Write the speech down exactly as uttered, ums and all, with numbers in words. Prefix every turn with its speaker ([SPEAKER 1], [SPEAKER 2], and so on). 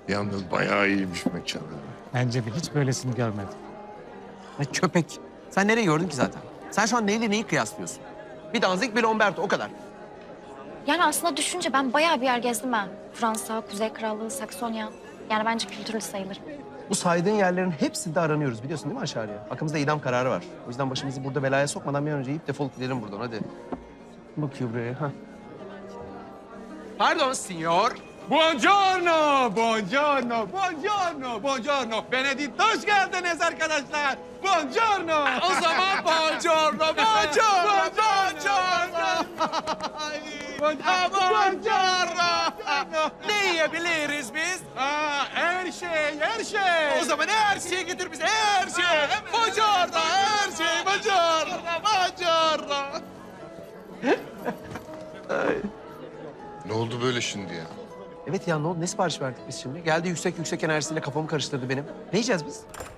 [SPEAKER 1] Yalnız bayağı iyiymiş mekanı.
[SPEAKER 2] Bence bir hiç böylesini görmedim.
[SPEAKER 3] Ay köpek. Sen nereyi gördün ki zaten? Sen şu an neyle neyi kıyaslıyorsun? Bir Danzig, bir Lomberto, o kadar.
[SPEAKER 4] Yani aslında düşünce ben bayağı bir yer gezdim ha. Fransa, Kuzey Krallığı, Saksonya. Yani bence kültürlü sayılır.
[SPEAKER 3] Bu saydığın yerlerin hepsinde aranıyoruz biliyorsun değil mi aşağıya? Hakkımızda idam kararı var. O yüzden başımızı burada belaya sokmadan bir an önce yiyip defolup gidelim buradan hadi. Bakıyor buraya. Ha. Pardon signor.
[SPEAKER 5] Buongiorno, buongiorno, buongiorno, buongiorno. Benedict, hoş geldiniz arkadaşlar. Buongiorno. O zaman buongiorno, buongiorno, buongiorno. Buongiorno. Ne yiyebiliriz biz? Aa, her şey, her şey. O zaman her şeyi getir bize, her şey. Buongiorno, her şey, buongiorno, buongiorno.
[SPEAKER 1] Ne oldu böyle şimdi ya?
[SPEAKER 3] Evet ya ne oldu? Ne sipariş verdik biz şimdi? Geldi yüksek yüksek enerjisiyle kafamı karıştırdı benim. Ne yiyeceğiz biz?